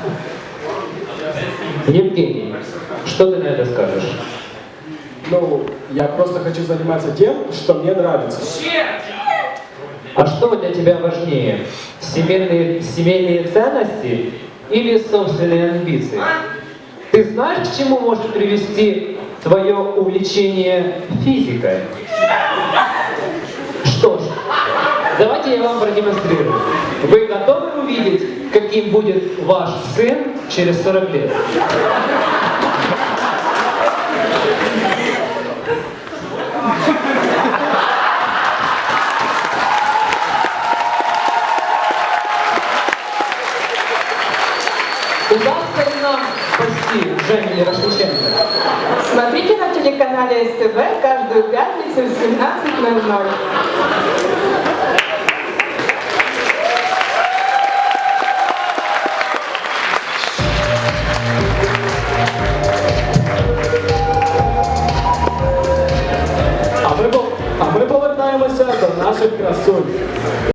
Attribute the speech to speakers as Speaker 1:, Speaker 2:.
Speaker 1: Евгений, что ты на это скажешь?
Speaker 2: Ну, я просто хочу заниматься тем, что мне нравится.
Speaker 1: А что для тебя важнее? Семейные ценности или собственные амбиции? Ты знаешь, к чему может привести твое увлечение физикой? Что ж, давайте я вам продемонстрирую. Вы готовы увидеть, каким будет ваш сын через 40 лет? Удастся ли нам спасти Женю Ярошниченко?
Speaker 3: Смотрите на телеканале СТВ каждую пятницу в 17:00.
Speaker 2: А ми повертаємося до наших красунь.